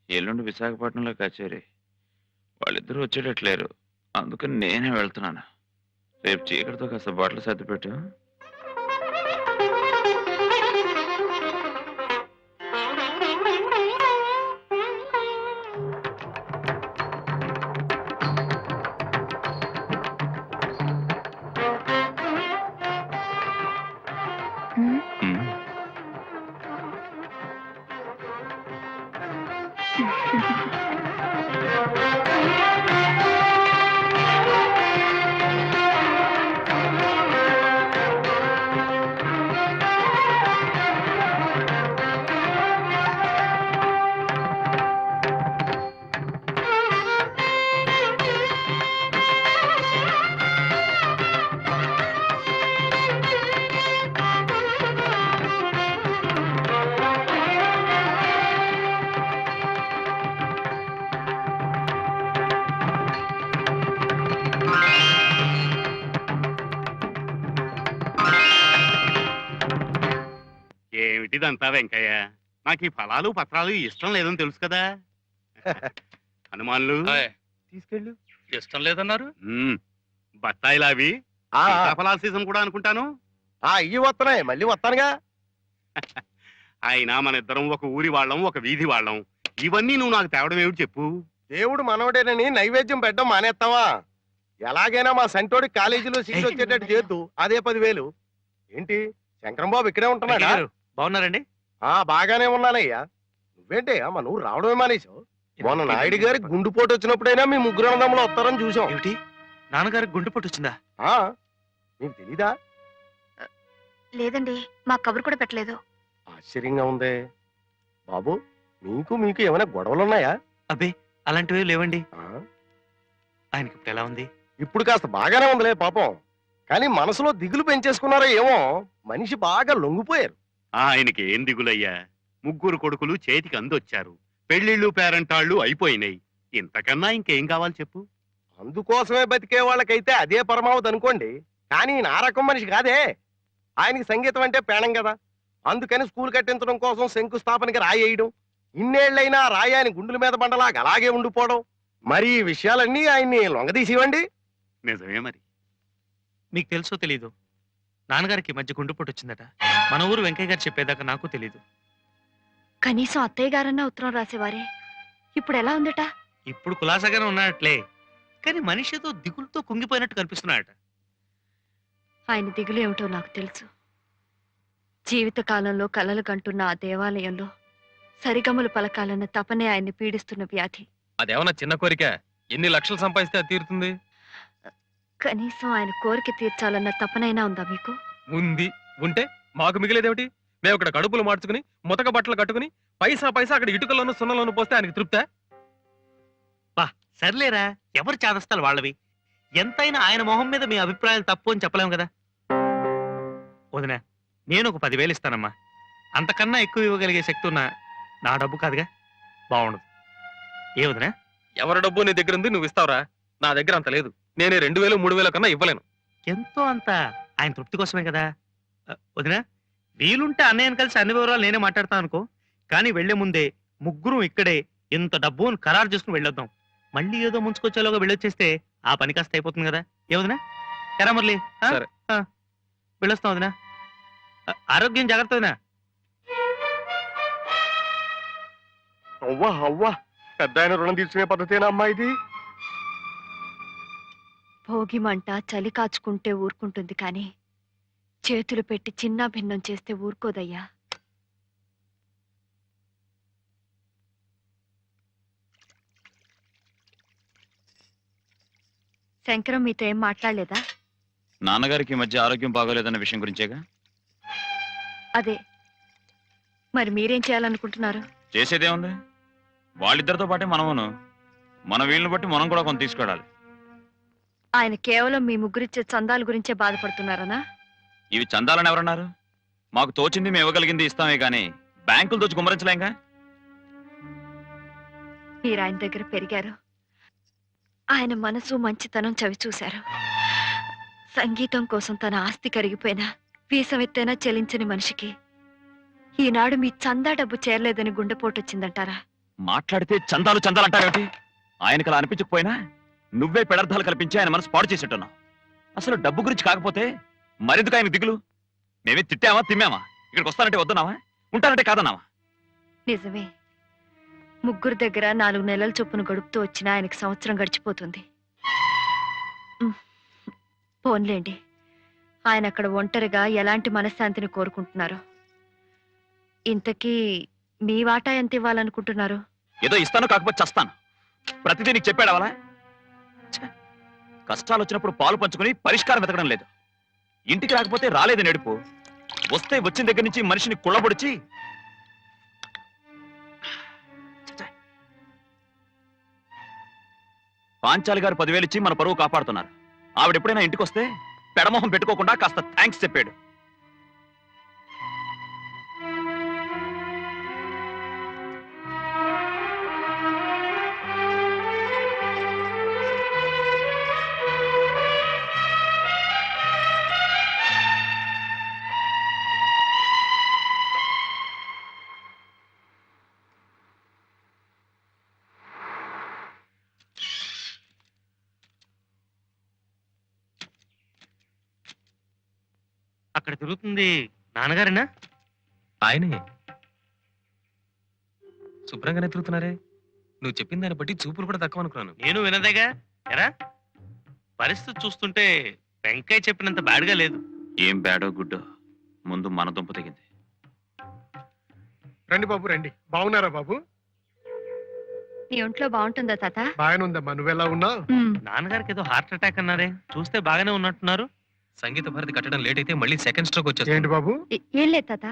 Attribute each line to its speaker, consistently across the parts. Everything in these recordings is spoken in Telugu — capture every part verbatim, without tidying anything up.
Speaker 1: ఎల్లుండి విశాఖపట్నంలో కచేరీ. వాళ్ళిద్దరూ వచ్చేటట్లేరు. అందుకని నేనే వెళ్తున్నాను. రేపు చీకటితో కాస్త బట్టలు సర్దిపెట్టు.
Speaker 2: హ్మ్.
Speaker 1: హ్మ్.
Speaker 3: ఏమిటిదంతా వెంకయ్య? నాకు ఈ ఫలాలు పత్రాలు ఇష్టం లేదని తెలుసు కదా. హనుమాన్లు
Speaker 4: హాయ్.
Speaker 3: తీసుకెళ్ళు.
Speaker 4: ఇష్టం లేదన్నారు.
Speaker 3: మ్మ్. బత్తాయిలు అవి
Speaker 5: ఆ, ఆ,
Speaker 3: సీతాఫలాల సీజన్ కూడా అనుకుంటాను.
Speaker 5: ఆ, ఇయ్యి వస్తున్నాయి మళ్ళీ వస్తానుగా.
Speaker 3: అయినా మన ఇద్దరం ఒక ఊరి వాళ్ళం, ఒక వీధి వాళ్ళం. ఇవన్నీ నువ్వు నాకు తేవడం ఏమిటి చెప్పు.
Speaker 5: దేవుడు మనవడేనని నైవేద్యం పెట్టడం మానేస్తావా? ఎలాగైనా మా సంటోడి కాలేజీలో సీట్ వచ్చేటట్టు చేద్దు. అదే పదివేలు. ఏంటి శంకరం బాబు ఇక్కడే ఉంటున్నాడా?
Speaker 4: బాగున్నారండి?
Speaker 5: ఆ బాగానే ఉన్నానయ్యా. నువ్వేంటి మన ఊరు రావడమే మానేశావు? మొన్న నాయుడు గారి గుండుపోటు వచ్చినప్పుడైనా మీ ముగ్గురు అన్నదమ్ములు వస్తారని చూసాం.
Speaker 4: ఏమిటి, నాన్నగారికి గుండెపోటు వచ్చిందా?
Speaker 5: ఆ నీకు తెలీదా?
Speaker 2: లేదండి, మా కబురు కూడా పెట్టలేదు.
Speaker 5: ఆశ్చర్యంగా ఉందే బాబు. మీకు మీకు ఏమైనా గొడవలున్నాయా?
Speaker 4: అబ్బే, అలాంటివి లేవండి.
Speaker 5: ఆ,
Speaker 4: ఆయనకి ఇప్పుడు ఎలా ఉంది?
Speaker 5: ఇప్పుడు కాస్త బాగానే ఉందిలే పాపం. కానీ మనసులో దిగులు పెంచేసుకున్నారో ఏమో. మనిషి బాగా లొంగిపోయారు.
Speaker 3: ఆయనకి ఏం దిగులయ్యా? ముగ్గురు కొడుకులు చేతికి అందొచ్చారు. పెళ్లిళ్ళు పేరంటాళ్ళు అయిపోయినాయి. ఇంతకన్నా ఇంకేం కావాలి చెప్పు.
Speaker 5: అందుకోసమే బతికే వాళ్ళకైతే అదే పరమావధి అనుకోండి. కానీ నా రకం మనిషి కాదే. ఆయనకి సంగీతం అంటే పేణం కదా. అందుకని స్కూల్ కట్టించడం కోసం శంకుస్థాపనకి రాయేయడం, ఇన్నేళ్లైనా రాయి ఆయన గుండెల మీద బండలాగా అలాగే ఉండిపోవడం. మరి ఈ విషయాలన్నీ ఆయన్ని లొంగదీసివ్వండి.
Speaker 3: నిజమే మరి.
Speaker 4: మీకు తెలుసో తెలీదు, నాన్నగారికి ఈ మధ్య గుండెపోటు వచ్చిందట. మన ఊరు వెంకయ్య గారు చెప్పేదాకా నాకు తెలీదు.
Speaker 2: కనీసం అత్తయ్య గారన్నా ఉత్తరం రాసేవారే. ఇప్పుడు ఎలా ఉందట?
Speaker 4: ఇప్పుడు కులాసాగానే ఉన్నట్లే, కానీ మనిషితో దిగులతో కుంగిపోయినట్టు కనిపిస్తున్నాడట.
Speaker 2: ఆయన దిగులు ఏమిటో నాకు తెలుసు. జీవితకాలంలో కలలు కంటున్న ఆ దేవాలయంలో సరిగమలు పలకాలన్న తపనే ఆయన్ని పీడిస్తున్న వ్యాధి.
Speaker 6: అదేమన్నా చిన్న కోరిక? ఎన్ని లక్షలు సంపాదిస్తే అది తీరుతుంది?
Speaker 2: కనీసం ఆయన కోరిక తీర్చాలన్న తపనైనా ఉందా మీకు?
Speaker 6: ఉంది. ఉంటే మాకు మిగిలేదేమిటి? మేము ఇక్కడ కడుపులు మార్చుకుని ముతక బట్టలు కట్టుకుని పైసా పైసా అక్కడ ఇటుకల్లోనూ సున్నలోనూ పోస్తే ఆయనకి తృప్తే?
Speaker 4: బా సర్లేరా, ఎవరు చాదస్తాలు వాళ్ళవి. ఎంతైనా ఆయన మొహం మీద మీ అభిప్రాయాలు తప్పు అని చెప్పలేము కదా. వదినా, నేను ఒక పదివేలు ఇస్తానమ్మా. అంతకన్నా ఎక్కువ ఇవ్వగలిగే శక్తి ఉన్న నా డబ్బు కాదుగా, బాగుండదు. ఏ వదినా?
Speaker 6: ఎవరి డబ్బు నీ దగ్గర ఉంది, నువ్వు ఇస్తావురా? నా దగ్గర అంత లేదు. నేను రెండు వేలు మూడు వేల కన్నా ఇవ్వలేను.
Speaker 4: ఎంతో అంత ఆయన తృప్తి కోసమే కదా. అ, వదినా, వీలుంటే అన్నయ్యను కలిసి అన్ని వివరాలు నేనే మాట్లాడతాను అనుకో. కానీ వెళ్లే ముందే ముగ్గురు ఇక్కడే ఇంత డబ్బు అని ఖరారు చేసుకుని వెళ్ళొద్దాం. మళ్ళీ ఏదో ముంచుకొచ్చేలోగా వెళ్ళొచ్చేస్తే ఆ పని కాస్త అయిపోతుంది కదా. ఏ వదినా? ఎరా మురళి, ఆ?
Speaker 6: సరే.
Speaker 4: ఆ, వెళ్ళొస్తాం వదినా. ఆ, ఆరోగ్యం జాగ్రత్త వదినా.
Speaker 5: అవ్వా అవ్వా, పెద్ద ఆయన రుణం తీర్చుకునే పద్ధతేనా అమ్మా ఇది?
Speaker 2: భోగి మంట చలి కాచుకుంటే ఊరుకుంటుంది కానీ చేతులు పెట్టి చిన్న భిన్నం చేస్తే ఊరుకోదయ్యా. శంకరం మీతో ఏం మాట్లాడలేదా?
Speaker 1: నాన్నగారికి ఈ మధ్య ఆరోగ్యం బాగోలేదన్న విషయం గురించేగా.
Speaker 2: అదే, మరి మీరేం చేయాలనుకుంటున్నారు?
Speaker 1: చేసేదేముంది, వాళ్ళిద్దరితో పాటే మనమును. మన వీళ్ళని బట్టి మనం కూడా కొంత తీసుకోవాలి.
Speaker 2: ఆయన కేవలం మీ ముగ్గురిచ్చే చందాల గురించే బాధపడుతున్నారనా?
Speaker 1: ఇవి చందాలని ఎవరన్నారు? మాకు తోచింది మేము ఇవ్వగలిగింది ఇస్తామే గానీ బ్యాంకులు దోచి గుమ్మరించలేంగా.
Speaker 2: మీరు ఆయన దగ్గర పెరిగారు. ఆయన మనసు మంచితనం చవి చూశారు. సంగీతం కోసం తన ఆస్తి కరిగిపోయినా వీసమెత్తైనా చెలించని మనిషికి ఈనాడు మీ చందా డబ్బు చేరలేదని గుండెపోటు వచ్చిందంటారా?
Speaker 1: మాట్లాడితే చందాలు చందాలు అంటారేమిటి? ఆయనకు అలా అనిపించకపోయినా నువ్వే పెడర్థాలు కల్పించి ఆయన మనసు పాడు చేసేట్టున్నావు. అసలు డబ్బు గురించి కాకపోతే మరెందుకు ఆయన దిగులు? మేమే తిట్టామా తిమ్మామా? ఇక్కడికి వస్తానంటే వద్దున్నావా? ఉంటానంటే కాదన్నావా?
Speaker 2: నిజమే, ముగ్గురు దగ్గర నాలుగు నెలల చొప్పున గడుపుతూ వచ్చిన ఆయనకి సంవత్సరం గడిచిపోతుంది. ఉమ్, పోన్లేండి, ఆయన అక్కడ ఒంటరిగా ఎలాంటి మనశ్శాంతిని కోరుకుంటున్నారో. ఇంతకీ మీ వాటా ఎంత ఇవ్వాలనుకుంటున్నారు?
Speaker 1: ఏదో ఇస్తాను, కాకపోతే చస్తాను. ప్రతిదీ నీకు చెప్పాడవలా? కష్టాలు వచ్చినప్పుడు పాలు పంచుకుని పరిష్కారం వెతకడం లేదు. ఇంటికి రాకపోతే రాలేదు నడుపు, వస్తే వచ్చిన దగ్గర నుంచి మనిషిని కుళ్ళబొడిచి పాంచాలి గారు పదివేలు ఇచ్చి మన పరువు కాపాడుతున్నారు. ఆవిడ ఎప్పుడైనా ఇంటికి వస్తే పెడమొహం పెట్టుకోకుండా కాస్త థ్యాంక్స్ చెప్పాడు.
Speaker 4: అక్కడ తిరుగుతుంది నాన్నగారేనా?
Speaker 6: ఆయనే శుభ్రంగానే తిరుగుతున్నారే. నువ్వు చెప్పిన దాన్ని బట్టి చూపులు కూడా తక్కువ అనుకున్నాను.
Speaker 4: నేను వినదేగా. ఎరా, పరిస్థితి చూస్తుంటే వెంకయ్య చెప్పినంత బ్యాడ్గా లేదు.
Speaker 1: ఏం బ్యాడో గుడ్డో ముందు మన దుంప తెగింది.
Speaker 5: రండి బాబు రండి. బాగున్నారా బాబు?
Speaker 2: నీ ఒంట్లో బాగుంటుందా తాత?
Speaker 5: బాగానే ఉందమ్మా, నువ్వెలా ఉన్నావు?
Speaker 2: ఉమ్,
Speaker 4: నాన్నగారికి ఏదో హార్ట్ అటాక్ అన్నారే, చూస్తే బాగానే ఉన్నట్టున్నారు.
Speaker 6: సంగీత భారతి కట్టడం లేట్ అయితే మళ్ళీ సెకండ్ స్ట్రోక్ వచ్చేస్తుంది.
Speaker 5: ఏంటి బాబు?
Speaker 2: ఏ- ఏం లేదు తాత.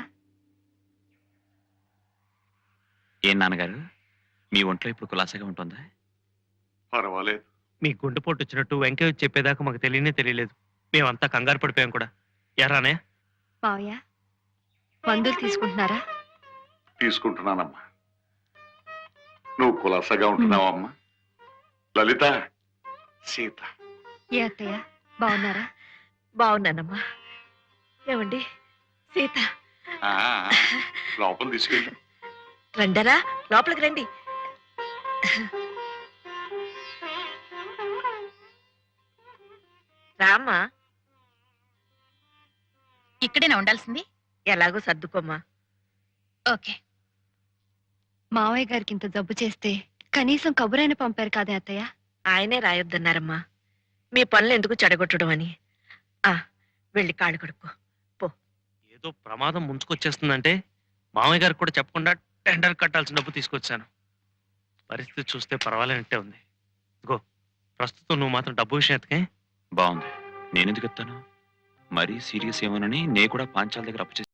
Speaker 1: ఏం నాన్నగారు, మీ ఒంట్లో ఇప్పుడు కులాసగా ఉంటుందా?
Speaker 3: పర్వాలేదు.
Speaker 4: మీ గుండెపోటు వచ్చినట్టు వెంకయ్య వచ్చి చెప్పేదాకా మాకు తెలియనే తెలియలేదు. మేమంతా కంగారు పడిపోయాం కూడా. ఎరానే?
Speaker 2: మావయ్య, మందులు తీసుకుంటున్నారా?
Speaker 3: తీసుకుంటున్నానమ్మా. నువ్వు కులాసగా ఉంటున్నావమ్మా. లలిత, సీత,
Speaker 2: ఏ అత్తయ్య, బాగున్నారా? బాగున్నానమ్మా. ఏమండి సీత,
Speaker 3: ఆ, ఆ, లోపల తీసుకెళ్ళి.
Speaker 2: రండరా, లోపలికి రండి.
Speaker 7: రామ్మా,
Speaker 8: ఇక్కడేనా ఉండాల్సింది?
Speaker 7: ఎలాగో సర్దుకోమ్మా.
Speaker 8: ఓకే.
Speaker 2: మావయ్య గారికి ఇంత జబ్బు చేస్తే కనీసం కబురైన పంపారు కాదే అత్తయ్య?
Speaker 7: ఆయనే రాయొద్దన్నారమ్మా, మీ పనులు ఎందుకు చెడగొట్టడం అని. ఆ వెళ్ళి కాళ్ళు కడుక్కో.
Speaker 4: ఏదో ప్రమాదం ముంచుకొచ్చేస్తుందంటే మామయ్య గారికి కూడా చెప్పకుండా టెండర్ కట్టాల్సిన డబ్బు తీసుకొచ్చాను. పరిస్థితి చూస్తే పర్వాలేనట్టే ఉంది. ఇదిగో, ప్రస్తుతం నువ్వు మాత్రం డబ్బు విషయం ఎత్తకే.
Speaker 1: బాగుంది, నేనెందుకు ఎత్తాను? మరీ సీరియస్ ఏమోనని నే కూడా పాంచాల దగ్గర అప్పు